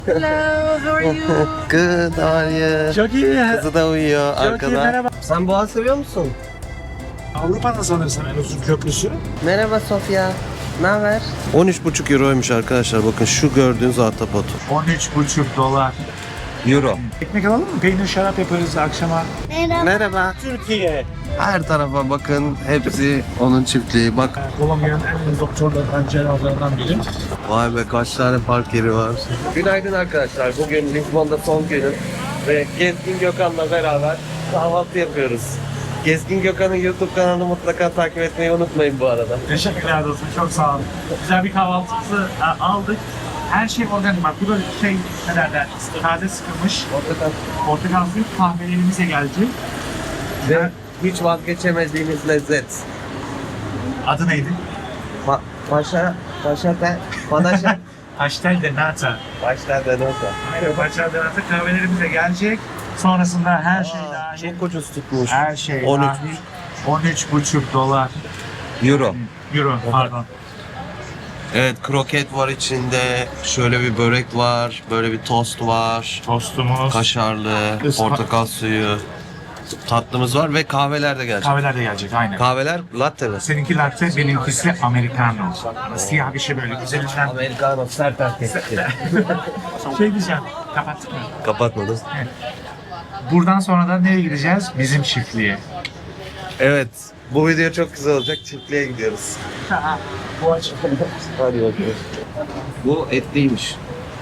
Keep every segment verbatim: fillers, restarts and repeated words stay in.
Hello, how are you? Good, how are you? Çok iyi. Kızı da uyuyor Çok iyi, arkada. merhaba. Sen boğa seviyor musun? Avrupa'nın sanırsam en uzun köprüsü. Merhaba Sofya. Ne haber? on üç buçuk euroymuş arkadaşlar. Bakın şu gördüğünüz ahtapot. on üç buçuk dolar. Euro. Ekmek alalım mı? Peynir şarap yaparız akşama. Merhaba. Türkiye. Her tarafa bakın. Hepsi onun çiftliği. Bak. Kolombiya'nın en ünlü doktorlarından, cerrahlarından biri. Vay be, kaç tane park yeri var. Günaydın arkadaşlar. Bugün Lisbon'da son günüm. Ve Gezgin Gökhan'la beraber kahvaltı yapıyoruz. Gezgin Gökhan'ın YouTube kanalını mutlaka takip etmeyi unutmayın bu arada. Teşekkürler dostum, çok sağ olun. Güzel bir kahvaltımızı e, aldık. Her şey organik. Bak bu da şey, ne derler, taze sıkılmış. Portakal. Portakal suyu kahvelerimize gelecek. Ve hiç vazgeçemediğimiz lezzet. Adı neydi? Pa paşa, paşa te, panaşa. Pastel de nata. Başlar da nasıl? Aynen, pastel de nata kahvelerimize gelecek. Sonrasında her şey dahil. Çok ucuz tutmuş. Her şey on üç. dahil. on üç buçuk dolar. Euro. Euro, pardon. Evet, kroket var içinde. Şöyle bir börek var. Böyle bir tost var. Tostumuz. Kaşarlı, Ispa- portakal suyu. Tatlımız var ve kahveler de gelecek. Kahveler de gelecek, aynen. Kahveler latte mi? Seninki latte, benimkisi americano. Siyah bir şey böyle güzelinden. Americano sert erkek. Şey diyeceğim, kapattık mı? Kapatmadım. Buradan sonra da nereye gideceğiz? Bizim çiftliğe. Evet, bu video çok güzel olacak. Çiftliğe gidiyoruz. Bu açık. Hadi bakalım. Bu etliymiş.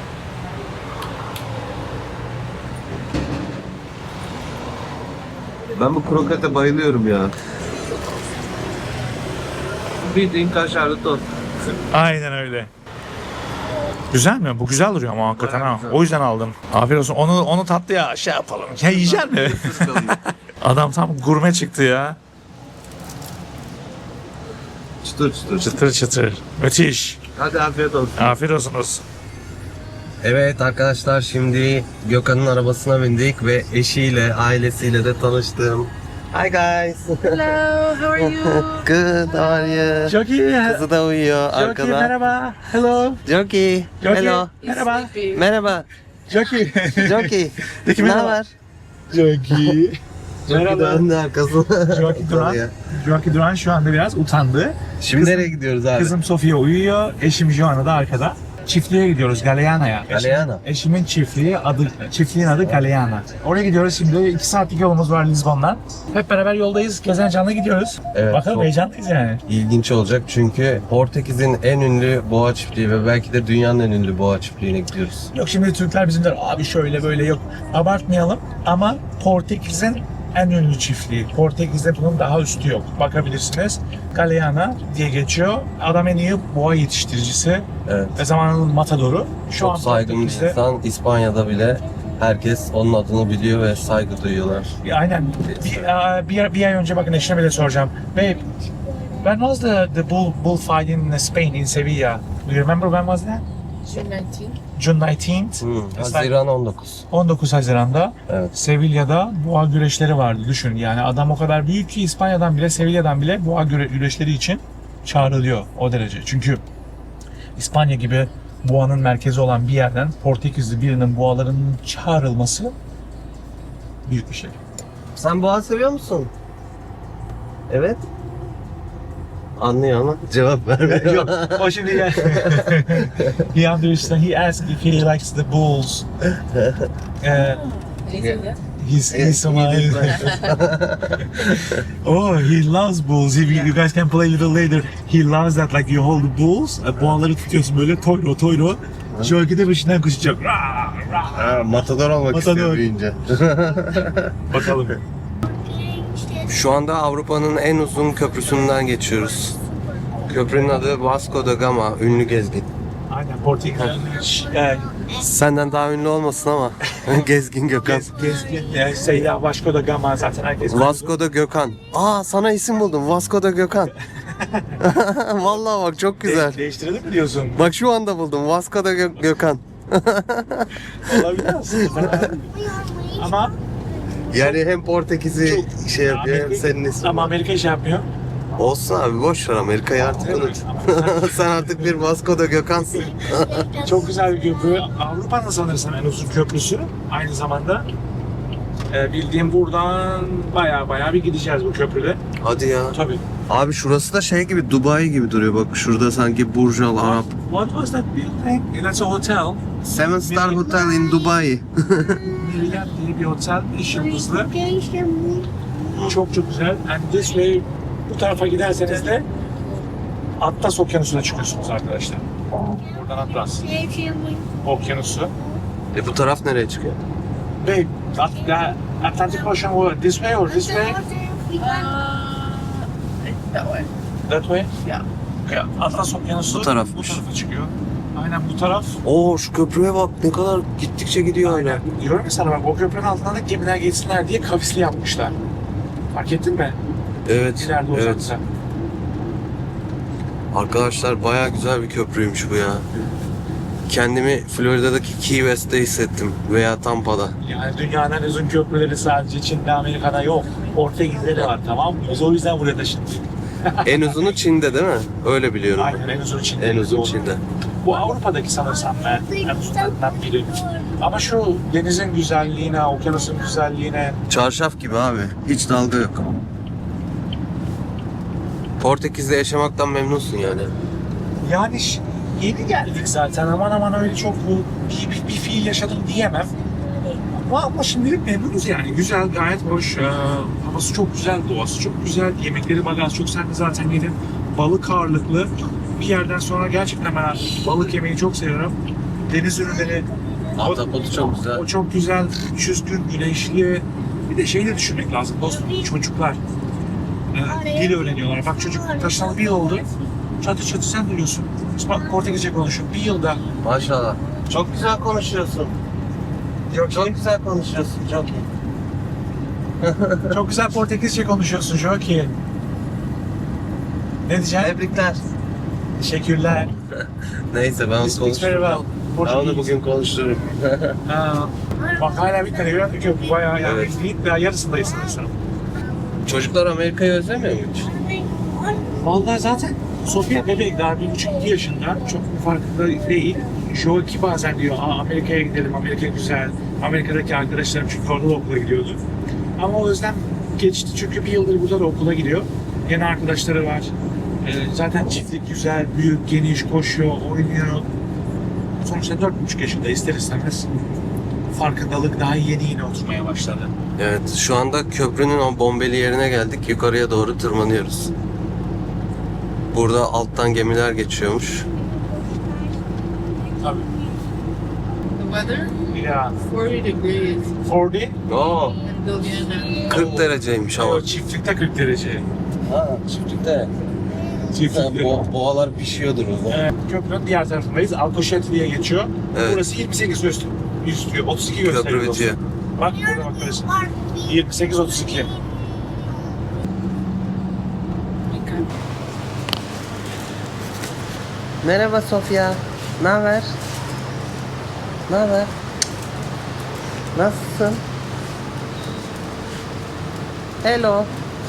Ben bu krokete bayılıyorum ya. Bildiğin kaşarlı tost. Aynen öyle. Güzel mi? Bu güzel duruyor ama hakikaten ha. O yüzden aldım. Afiyet olsun. Onu onu tatlıya şey yapalım. Ya yiyecek mi? Adam tam gurme çıktı ya. Çıtır çıtır. Çıtır çıtır. Müthiş. Hadi afiyet olsun. Afiyet olsun olsun. Evet arkadaşlar, şimdi Gökhan'ın arabasına bindik ve eşiyle, ailesiyle de tanıştım. Hi guys. Hello, how are you? Good, how are you? Çok iyi. Kızı da uyuyor Çok iyi. arkada. Merhaba. Hello. Çok iyi. Çok iyi. Hello. Merhaba. Sleepy. Merhaba. Çok iyi. Çok iyi. Peki, Ne merhaba. haber? Çok iyi. Merhaba. Döndü arkasına. Joaki Duran. Joaki Duran şu anda biraz utandı. Şimdi Kızım- nereye gidiyoruz abi? Kızım Sofia uyuyor. Eşim Joana da arkada. Çiftliğe gidiyoruz, Galeana'ya. Galeana. Eşimin, eşimin çiftliği adı, çiftliğin adı Galeana. Oraya gidiyoruz şimdi. iki saatlik yolumuz var Lizbon'dan. Hep beraber yoldayız. Gezen canlı gidiyoruz. Evet, Bakalım, çok- heyecanlıyız yani. İlginç olacak çünkü Portekiz'in en ünlü boğa çiftliği ve belki de dünyanın en ünlü boğa çiftliğine gidiyoruz. Yok şimdi Türkler bizimler abi şöyle böyle yok. Abartmayalım ama Portekiz'in en ünlü çiftliği. Portekiz'de bunun daha üstü yok. Bakabilirsiniz. Galeana diye geçiyor. Adam en iyi boğa yetiştiricisi Evet. ve zamanının matadoru. Şu Çok an saygın bir Portekiz'de- insan. İspanya'da bile herkes onun adını biliyor ve saygı duyuyorlar. Aynen. Bir, aa, bir, bir ay önce bakın eşine bile soracağım. Babe, when was the, the bull, bullfight in Spain, in Sevilla? Do you remember when was that? June nineteenth. June nineteenth. Hmm, It's like Haziran on dokuz. on dokuz Haziran'da Evet. Sevilla'da boğa güreşleri vardı. Düşün yani adam o kadar büyük ki İspanya'dan bile, Sevilla'dan bile boğa güre- güreşleri için çağrılıyor o derece. Çünkü İspanya gibi boğanın merkezi olan bir yerden Portekizli birinin boğalarının çağrılması büyük bir şey. Sen boğa seviyor musun? Evet. Anlıyor ama cevap vermiyor. Yok, o şimdi ya. He understands. He asked if he likes the bulls. Uh, he's he's Somali. Oh, he loves bulls. If you guys can play a little later, he loves that. Like you hold the bulls, e, boğaları tutuyorsun böyle toyro toyro. Şöyle de peşinden koşacak. Rah, rah. Ha, matador olmak Matador. istiyor büyüyünce. Bakalım. Şu anda Avrupa'nın en uzun köprüsünden geçiyoruz. Köprünün adı Vasco da Gama, ünlü gezgin. Aynen Portekiz'den. E, Senden daha ünlü olmasın ama Gezgin Gökhan. Gez, gezgin, e, Seyda Vasco da Gama zaten herkes. Vasco da Gökhan. Aa, sana isim buldum. Vasco da Gökhan. Vallahi bak çok güzel. De- değiştirelim mi diyorsun? Bak şu anda buldum. Vasco da Gö- Gökhan. Olabilir aslında. Ama Yani hem Portekiz'i şey yapıyor hem Amerika- senin ismin. ama Amerika şey yapmıyor. Olsun abi, boş ver, Amerika'yı artık unut. Sen artık bir Vasco da Gökhan'sın. Çok güzel bir köprü. Avrupa'nın sanırsam en uzun köprüsü. Aynı zamanda e, bildiğim buradan baya baya bir gideceğiz bu köprüde. Hadi ya. Tabii. Abi şurası da şey gibi, Dubai gibi duruyor, bak şurada sanki Burj Al Arab. What was that building? That's a hotel. Seven Star Hotel in Dubai. Marriott diye bir otel. Beş yıldızlı. Çok çok güzel. And this way bu tarafa giderseniz de Atlas Okyanusu'na çıkıyorsunuz arkadaşlar. Buradan Atlas Okyanusu. E bu taraf nereye çıkıyor? Ve At- the Atlantic Ocean was this way or this way? Uh, that way. That way? Yeah. Yeah. Atlas Okyanusu Bu tarafmış. bu tarafa çıkıyor. Aynen bu taraf. Oo, şu köprüye bak, ne kadar gittikçe gidiyor hala. Aynen. Diyorum ya sana bak, o köprünün altından da gemiler geçsinler diye kavisli yapmışlar. Fark ettin mi? Evet, İleride evet. uzakta. Arkadaşlar bayağı güzel bir köprüymüş bu ya. Kendimi Florida'daki Key West'te hissettim veya Tampa'da. Yani dünyanın en uzun köprüleri sadece Çin'de, Amerika'da yok. Portekiz'de de var, tamam mı? Biz o yüzden buraya taşındık. En uzunu Çin'de değil mi? Öyle biliyorum. Aynen, en uzun Çin'de. En uzun Doğru. Çin'de. Bu Avrupa'daki sanırsam ben en uzunlarından biri. Ama şu denizin güzelliğine, okyanusun güzelliğine... Çarşaf gibi abi. Hiç dalga yok. Portekiz'de yaşamaktan memnunsun yani. Yani ş- yeni geldik zaten, aman aman öyle çok bu bir, bir, bir fiil yaşadım diyemem. Ama, ama şimdilik memnunuz yani. Güzel, gayet hoş. Ee, havası çok güzel, doğası çok güzel. Yemekleri bagaj çok, sen de zaten yedin. Balık ağırlıklı. Bir yerden sonra gerçekten ben balık yemeyi çok seviyorum. Deniz ürünleri. Ahtapotu çok güzel. O çok güzel. üç yüz gün güneşli. Bir de şeyi de düşünmek lazım dostum. Çocuklar e, dil öğreniyorlar. Bak çocuk taşınalı bir yıl oldu. Çatı çatı sen duyuyorsun. Bak Portekizce konuşuyor. Bir yılda. Maşallah. Çok güzel konuşuyorsun. Yok, Çok güzel konuşuyorsun. Çok iyi. çok güzel Portekizce konuşuyorsun. Çok iyi. Ne diyeceksin? Tebrikler. Teşekkürler. Neyse, ben onu This speaks very konuşurum. well. Ben onu bugün konuştururum. Ha. Bak hala bir tane gören bir köprü. Bayağı yani Evet. değil, daha yarısındayız sanırsam. Çocuklar Amerika'yı özlemiyor mu hiç? Vallahi zaten Sofia bebek daha bir buçuk iki yaşında. Çok bir farkında değil. Şu ki bazen diyor, Aa, Amerika'ya gidelim, Amerika güzel. Amerika'daki arkadaşlarım çünkü orada da okula gidiyordu. Ama o yüzden geçti çünkü bir yıldır burada da okula gidiyor. Yeni arkadaşları var. Ee, zaten çiftlik güzel, büyük, geniş, koşuyor, oynuyor. Sonuçta dört buçuk yaşında ister istemez farkındalık daha yeni yeni oturmaya başladı. Evet, şu anda köprünün o bombeli yerine geldik. Yukarıya doğru tırmanıyoruz. Burada alttan gemiler geçiyormuş. Tabii. The weather, Ya forty degrees kırk Oo, in Guyana. kırk dereceymiş hava. o çiftlikte kırk derece. Ha, çiftlikte. Çiftlikte. Bo boğalar pişiyordur o zaman. Ee, köprünün diğer tarafındayız. Alcochete diye geçiyor. Evet. Burası yirmi sekiz üstü, üstü otuz iki gösteriyor. Köprü dostum. bitiyor. Bak burada bak burası. yirmi sekiz otuz iki. Merhaba Sofya. Ne haber? Ne haber? Nasılsın? Hello.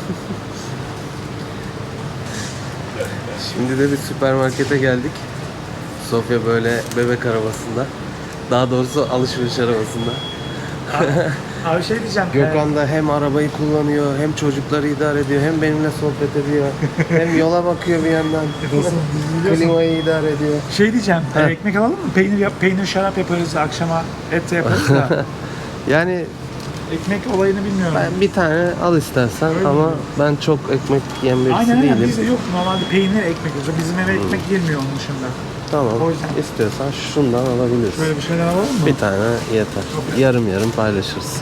Şimdi de bir süpermarkete geldik. Sofya böyle bebek arabasında. Daha doğrusu alışveriş arabasında. Abi şey diyeceğim. Gökhan da hem arabayı kullanıyor, hem çocukları idare ediyor, hem benimle sohbet ediyor, hem yola bakıyor bir yandan. e, dostum, biz biliyorsun. Klimayı idare ediyor. Şey diyeceğim. Heh. e, ekmek alalım mı? Peynir yap, peynir şarap yaparız akşama. Et de yaparız da. Yani Ekmek olayını bilmiyorum. ben bir tane al istersen Öyle ama mi? ben çok ekmek yiyen birisi Aynen aynen, değilim. bizde yok normalde peynir ekmek yiyoruz. Bizim eve ekmek girmiyor onun dışında. Tamam. O yüzden. İstiyorsan şundan alabilirsin. Böyle bir şeyler alalım mı? Bir tane yeter. Yarım yarım paylaşırız.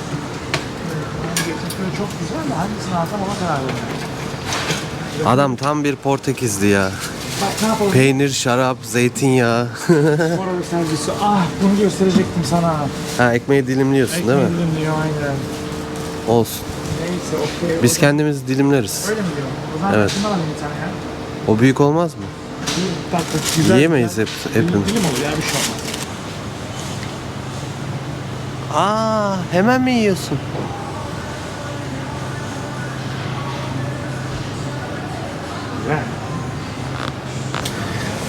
Böyle çok güzel de hangisini alsam ona karar veriyorum. Adam tam bir Portekizli ya. Bak ne yapalım? Peynir, şarap, zeytinyağı. Orada servisi. Ah bunu gösterecektim sana. Ha, ekmeği dilimliyorsun değil mi? Ekmeği dilimliyor aynen. Olsun. Neyse okey. Biz O zaman- kendimiz dilimleriz. Öyle mi diyor? O zaman Evet. şundan alayım bir tane ya. O büyük olmaz mı? Bir tatlı, güzel. Yiyemeyiz güzel. hep- Dilim- hepimiz. Dilim olur ya bir şey olmaz. Aa, hemen mi yiyorsun?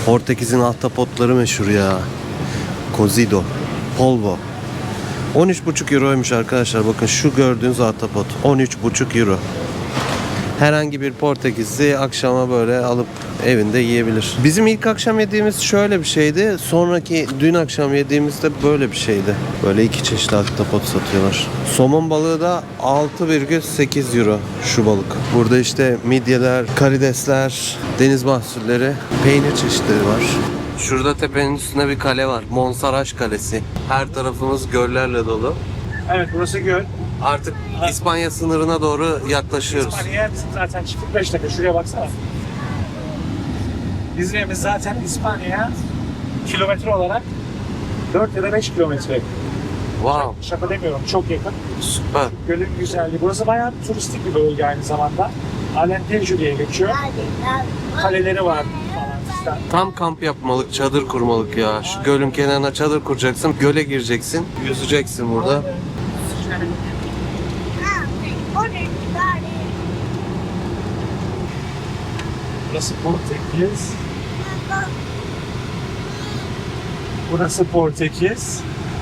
Portekiz'in ahtapotları meşhur ya. Cozido, polvo. on üç buçuk euroymuş arkadaşlar. Bakın şu gördüğünüz ahtapot on üç buçuk euro. Herhangi bir Portekizli akşama böyle alıp evinde yiyebilir. Bizim ilk akşam yediğimiz şöyle bir şeydi. Sonraki dün akşam yediğimiz de böyle bir şeydi. Böyle iki çeşitli ahtapot satıyorlar. Somon balığı da altı virgül sekiz euro şu balık. Burada işte midyeler, karidesler, deniz mahsulleri, peynir çeşitleri var. Şurada tepenin üstünde bir kale var. Monsaraz Kalesi. Her tarafımız göllerle dolu. Evet, burası göl. Artık İspanya sınırına doğru yaklaşıyoruz. İspanya'ya bizim zaten çiftlik beş dakika. Şuraya baksana. Bizim evimiz zaten İspanya'ya kilometre olarak dört ya da beş kilometre. Wow, Şaka demiyorum, çok yakın. süper. Gölün güzelliği. Burası bayağı turistik bir bölge aynı zamanda. Alentejo diye geçiyor. Kaleleri var falan filan. Tam kamp yapmalık, çadır kurmalık ya. Şu gölün kenarına çadır kuracaksın, göle gireceksin, yüzeceksin burada. Burası Portekiz. Burası Portekiz.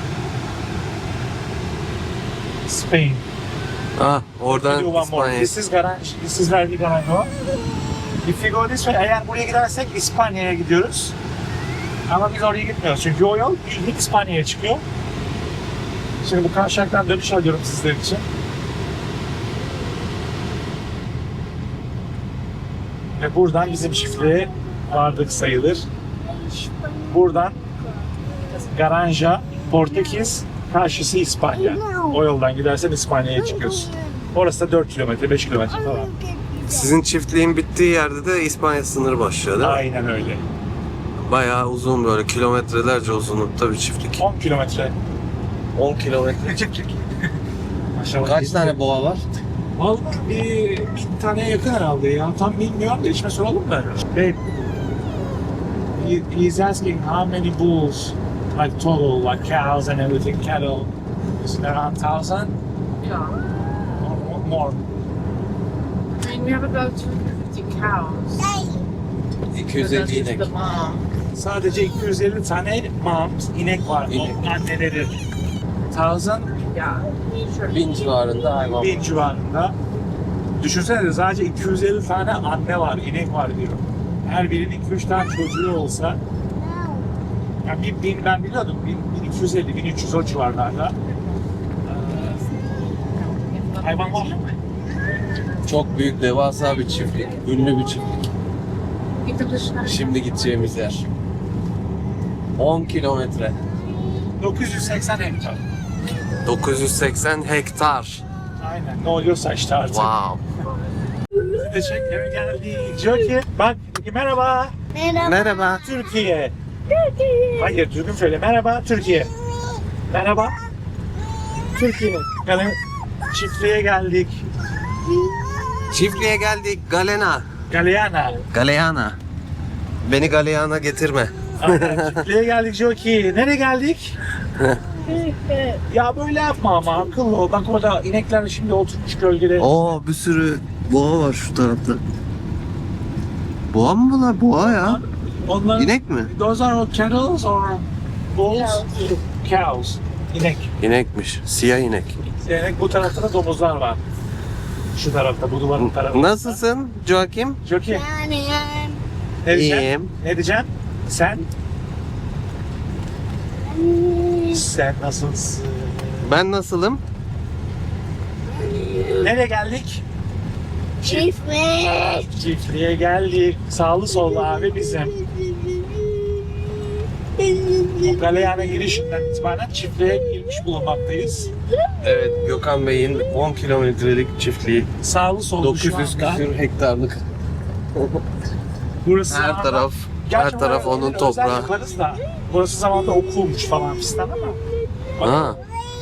Spain. Ah, oradan Do one more. İspanya. This is garage. This is where we gonna go. If we go this way, eğer buraya gidersek İspanya'ya gidiyoruz. Ama biz oraya gitmiyoruz çünkü o yol bildiğin İspanya'ya çıkıyor. Şimdi bu kavşaktan dönüş alıyorum sizler için. Ve buradan bizim çiftliğe vardık sayılır. Buradan Garanja, Portekiz, karşısı İspanya. O yoldan gidersen İspanya'ya çıkıyorsun. Orası da dört kilometre, beş kilometre falan. Sizin çiftliğin bittiği yerde de İspanya sınırı başlıyor değil mi? Aynen öyle. Bayağı uzun, böyle kilometrelerce uzunlukta bir çiftlik. on kilometre. on kilometre. Maşallah. Kaç tane boğa var? Vallahi bir bin taneye yakın herhalde ya. Tam bilmiyorum da içime soralım da. Babe, he, he's asking how many bulls, like total, like cows and everything, cattle. Is it around thousand Yeah. or more? I mean, we have about two hundred fifty cows. iki yüz So that's elli just inek. the mom. Sadece iki yüz elli tane moms, inek var. İnek. O anneleri. Thousand, Yeah. Sure. Bin civarında hayvan var. bin civarında. Düşünsene sadece iki yüz elli tane anne var, inek var diyor. Her birinin iki üç tane çocuğu olsa, yani bin, bin ben biliyordum, bin, bin iki yüz elli, bin üç yüz o civarlarda. Ee, hayvan var. Çok büyük, devasa bir çiftlik. Ünlü bir çiftlik. Git de dışına. Şimdi gideceğimiz yer. on kilometre. dokuz yüz seksen hektar. dokuz yüz seksen hektar. Aynen, ne oluyorsa işte artık. Wow. Bizi de çek, eve geldik. Diyor ki, bak, merhaba, Merhaba. Türkiye. Hayır, düzgün söyle, merhaba, Türkiye. Merhaba, Türkiye. Yani çiftliğe geldik. Çiftliğe geldik. Galena. Galeana. Galeana. Beni Galeana getirme. Aynen, çiftliğe geldik Joki. Nereye geldik? Ya böyle yapma ama akıllı ol. Bak orada inekler şimdi oturmuş gölgede. Oo, bir sürü boğa var şu tarafta. Boğa mı bunlar? Boğa ya. Onlar, İnek mi? Those are all cattles or bulls? Cows. İnek. İnekmiş. Siyah inek. İnek, bu tarafta da domuzlar var. Şu tarafta, bu duvarın tarafında. Nasılsın Joakim? Joki. Ne diyeceksin? İyiyim. Ne diyeceksin? Sen? Sen nasılsın? Ben nasılım? Nereye geldik? Çiftliğe. Çiftliğe geldik. Sağlı sollu abi bizim. Bu Galeana girişinden itibaren çiftliğe girmiş bulunmaktayız. Evet, Gökhan Bey'in on kilometrelik çiftliği. Sağlı sollu dokuz şu yüz anda. küsür hektarlık. Burası Her zamanında- taraf, Gerçi her taraf buraya onun özel toprağı. yaparız da, burası zamanında okulmuş falan fistan ama. Bak, Ha.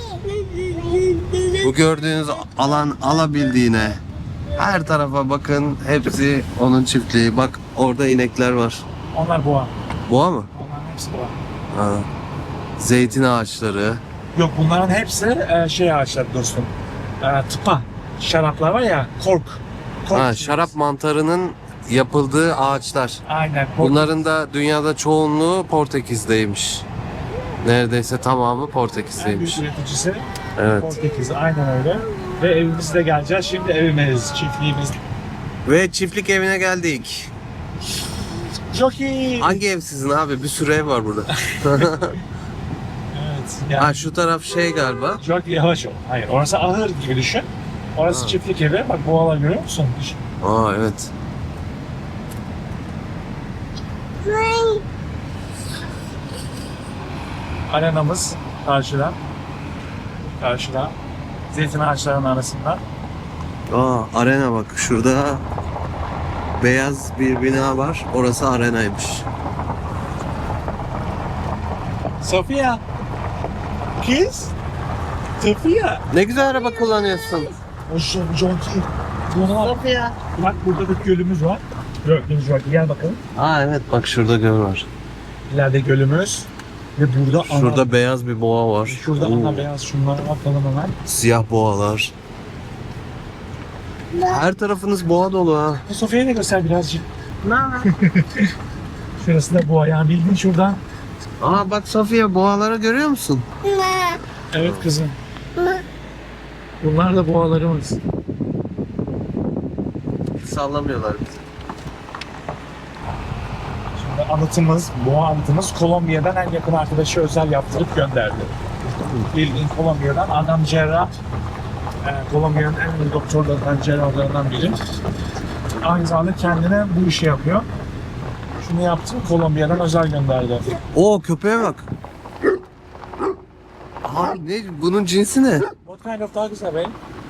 Bu gördüğünüz alan alabildiğine. Her tarafa bakın, hepsi onun çiftliği. Bak orada inekler var. onlar boğa. Boğa mı? Onların hepsi boğa. Ha. Zeytin ağaçları. Yok, bunların hepsi e, şey ağaçları dostum. E, tıpa. Şaraplar var ya, kork. kork Ha, şarap mantarının yapıldığı ağaçlar. Aynen. Bunların da dünyada çoğunluğu Portekiz'deymiş. Neredeyse tamamı En büyük Portekiz'deymiş. üreticisi Evet. Portekiz. Aynen öyle. Ve evimizde geleceğiz. Şimdi evimiz, çiftliğimiz. Ve çiftlik evine geldik. Çok iyi. Hangi ev sizin abi? Bir sürü ev var burada. Evet. Yani Ha şu taraf şey galiba. çok yavaş ol. Hayır. Orası ahır gibi düşün. Orası Ha. çiftlik evi. Bak boğalar görüyor musun? Düşün. Aa evet. Arenamız karşıda. Karşıda. Zeytin ağaçlarının arasında. Aa arena bak şurada beyaz bir bina var. Orası arenaymış. Sofia. Kız. Sofia. Ne güzel araba kullanıyorsun. O şu Jonki. Sofia. Bak burada bir gölümüz var. Gölümüz var. Gel bakalım. Aa evet bak şurada göl var. İleride gölümüz. Ve burada ana. Şurada beyaz bir boğa var. Şurada Oo, ana beyaz şunlara bakalım hemen. siyah boğalar. Her tarafınız boğa dolu ha. Bu Sofia'ya da göster birazcık. Şurası da boğa yani bildiğin şuradan. Aa bak Sofia boğaları görüyor musun? Evet kızım. Bunlar da boğalarımız. Sallamıyorlar bizi. Şimdi anıtımız, boğa anıtımız Kolombiya'dan en yakın arkadaşı özel yaptırıp gönderdi. Bildiğin Kolombiya'dan adam cerrah. E, Kolombiya'nın en iyi doktorlarından, cerrahlarından biri. Aynı zamanda kendine bu işi yapıyor. Şunu yaptım, Kolombiya'dan özel gönderdi. Oo köpeğe bak. Abi ne bunun cinsi ne? What kind of dog is that, babe?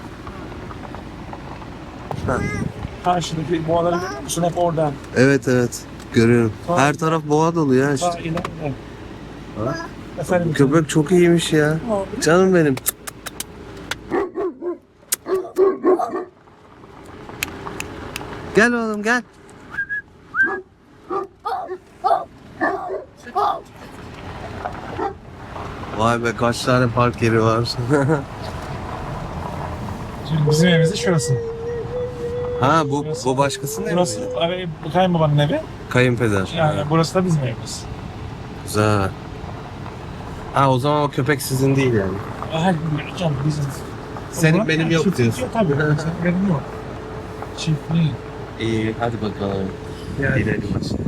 Ha. Karşıdaki boğaları görüyor musun? Hep orada. Evet evet görüyorum. Her taraf boğa dolu ya Ta işte. ileride. Ha? Efendim, Köpek çok iyiymiş ya. Canım benim. Gel oğlum gel. Vay be kaç tane park yeri var. Şimdi bizim evimiz de şurası. Ha bu bu başkasının evi Burası mi? abi, bu kayınbabanın evi. Kayınpeder. Yani burası da bizim evimiz. Güzel. Ha o zaman o köpek sizin değil yani. Hayır, canım bizim. Senin Ulan, benim yok çiftlik diyorsun. Yok tabii. Senin benim yok. Çiftliğin. İyi hadi bakalım. Yani. Gidelim aşağıya.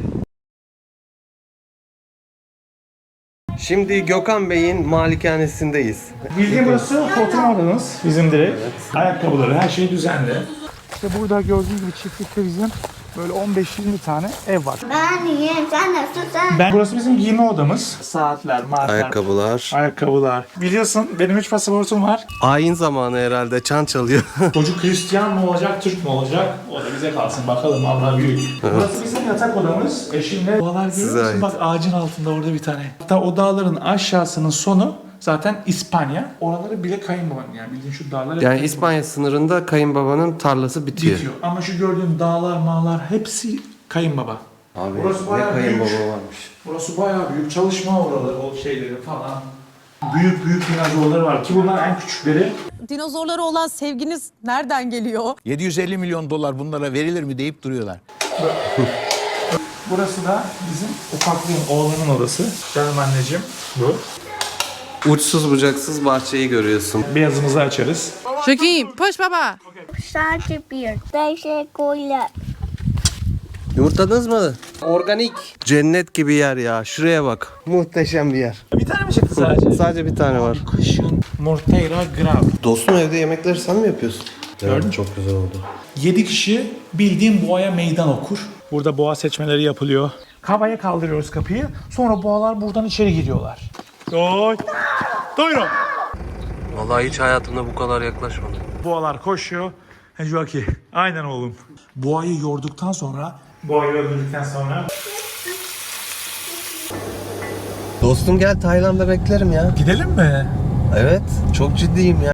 Şimdi Gökhan Bey'in malikanesindeyiz. Bildiğin burası oturma odamız. Bizim direkt. Ayakkabıları, her şey düzenli. İşte burada gördüğünüz gibi çiftlikte bizim böyle on beş yirmi tane ev var. Ben yiyeyim, sen nasıl sen? Ben, burası bizim giyinme odamız. Saatler, marklar, Ayakkabılar. ayakkabılar. Biliyorsun benim üç pasaportum var. Ayin zamanı herhalde çan çalıyor. Çocuk Hristiyan mı olacak, Türk mü olacak? O da bize kalsın bakalım, Allah büyük. Burası bizim yatak odamız. Eşimle dağlar Size görüyor musun? ait. Bak ağacın altında orada bir tane. Hatta o dağların aşağısının sonu zaten İspanya. Oraları bile kayınbabanın yani bildiğin şu dağlar. hep Yani kayınbabanın. İspanya sınırında kayınbabanın tarlası bitiyor. Bitiyor. Ama şu gördüğün dağlar, mağlar hepsi kayınbaba. Abi Burası ne bayağı kayınbaba büyük. varmış. Burası bayağı büyük. Çalışma oraları, o şeyleri falan. Büyük büyük dinozorları var ki bunlar en küçükleri. Dinozorlara olan sevginiz nereden geliyor? yedi yüz elli milyon dolar bunlara verilir mi deyip duruyorlar. Burası da bizim ufaklığın, oğlanın odası. Canım anneciğim bu. Uçsuz bucaksız bahçeyi görüyorsun. Beyazımızı açarız. Çok iyi. Push baba. Sadece bir. Teşekkürler. Yumurtladınız mı? Organik. Cennet gibi yer ya. Şuraya bak. Muhteşem bir yer. Bir tane mi çıktı sadece? Sadece bir tane var. Kışın Morteira Grav. Dostum evde yemekleri sen mi yapıyorsun? Gördün mü? Çok güzel oldu. yedi kişi bildiğin boğaya meydan okur. Burada boğa seçmeleri yapılıyor. Kavaya kaldırıyoruz kapıyı. Sonra boğalar buradan içeri giriyorlar. Doy. Doyro. Vallahi hiç hayatımda bu kadar yaklaşmadım. Boğalar koşuyor. Joaki. Aynen oğlum. Boğayı yorduktan sonra, boğayı öldürdükten sonra Dostum gel Tayland'da beklerim ya. gidelim mi? Evet. Çok ciddiyim ya.